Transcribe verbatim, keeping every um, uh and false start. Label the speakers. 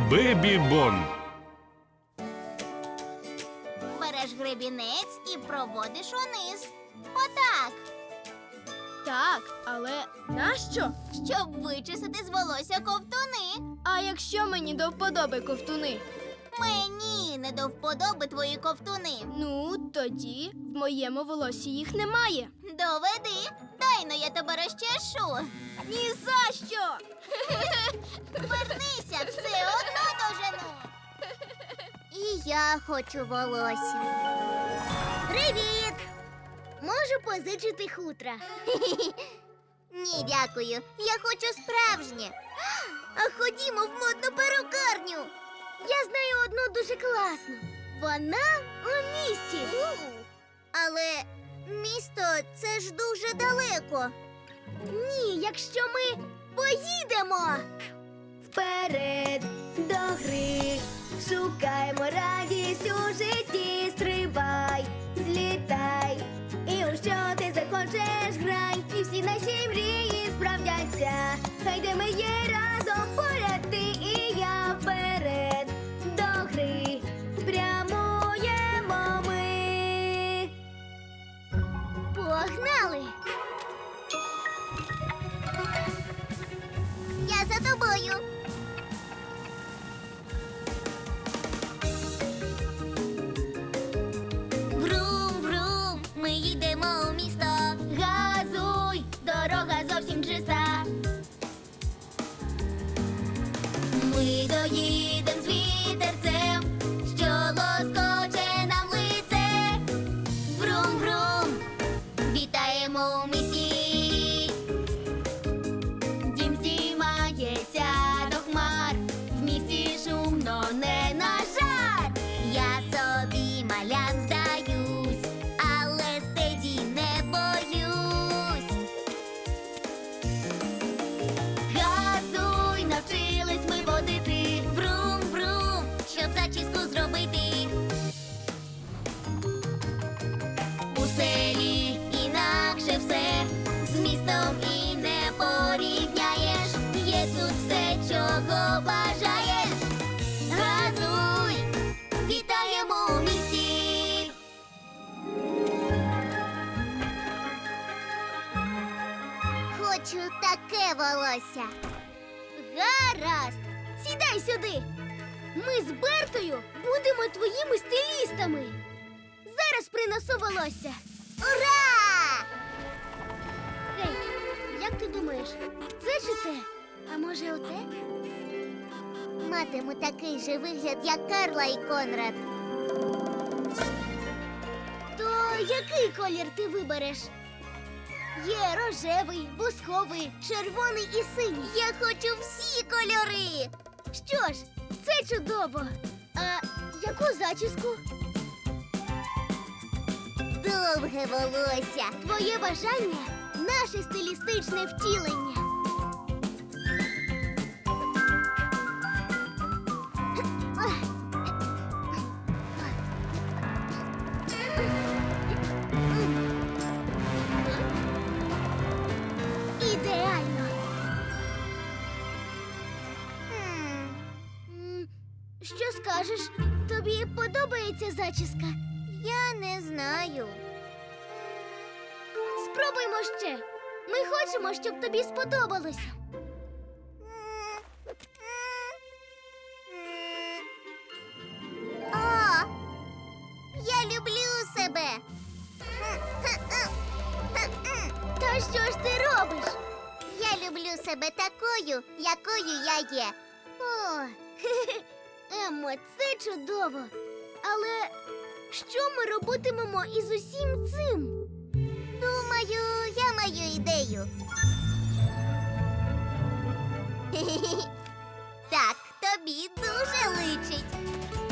Speaker 1: Бебі Бон.
Speaker 2: Береш гребінець і проводиш униз. Отак.
Speaker 3: Так, але нащо?
Speaker 2: Щоб вичесати з волосся ковтуни.
Speaker 3: А якщо мені до вподоби ковтуни?
Speaker 2: Мені не до вподоби твої ковтуни.
Speaker 3: Ну, тоді в моєму волосі їх немає.
Speaker 2: Доведи. Дай-но я тебе розчешу.
Speaker 3: Ні за що!
Speaker 2: Вернися, все одно дожену. І я хочу волосся. Привіт! Можу позичити хутра? Ні, дякую. Я хочу справжнє. А ходімо в модну перукарню. Я знаю одну дуже класну. Вона у місті. Але місто – це ж дуже далеко. Ні, якщо ми поїдемо.
Speaker 4: Вперед до гри, шукаймо радість у житті, стрибай, злітай, і у що ти захочеш грай, і всі наші мрії справдяться, хай де ми є разом поряд ти і я, вперед до гри, прямуємо ми.
Speaker 2: Погнали! Я за тобою. Врум-врум, ми їдемо у місто. Газуй, дорога зовсім чиста. Ми доїдем з вітерцем, що лоскоче нам лице. Врум-врум, вітаємо у місті. Дім здіймається до хмар, в місті шумно, не на жарт. Я собі малям здаюсь, але стеді не боюсь. Газуй, навчились ми водити, врум-врум, щоб зачіску зробити. У селі інакше все, з містом і не порівняєш. Є тут все, чого бажаєш. Газуй, вітаємо у місті. Хочу таке волосся. Гаразд, сідай сюди. Ми з Бертою будемо твоїми стилістами. Зараз принесу волосся. Ура! Гей, як ти думаєш, це чи те? А може оте? Матиму такий же вигляд, як Карла і Конрад. То який колір ти вибереш? Є рожевий, бусковий, червоний і синій. Я хочу всі кольори. Що ж, це чудово. А яку зачіску? Довге волосся. Твоє бажання – наше стилістичне втілення. Ідеально. М, Що скажеш? Тобі подобається зачіска? Я не знаю. Спробуймо ще. Ми хочемо, щоб тобі сподобалося. О, я люблю себе. Та що ж ти робиш? Я люблю себе такою, якою я є. О, Еммо, це чудово. Але що ми робитимемо із усім цим? Думаю, я маю ідею. Так, тобі дуже личить.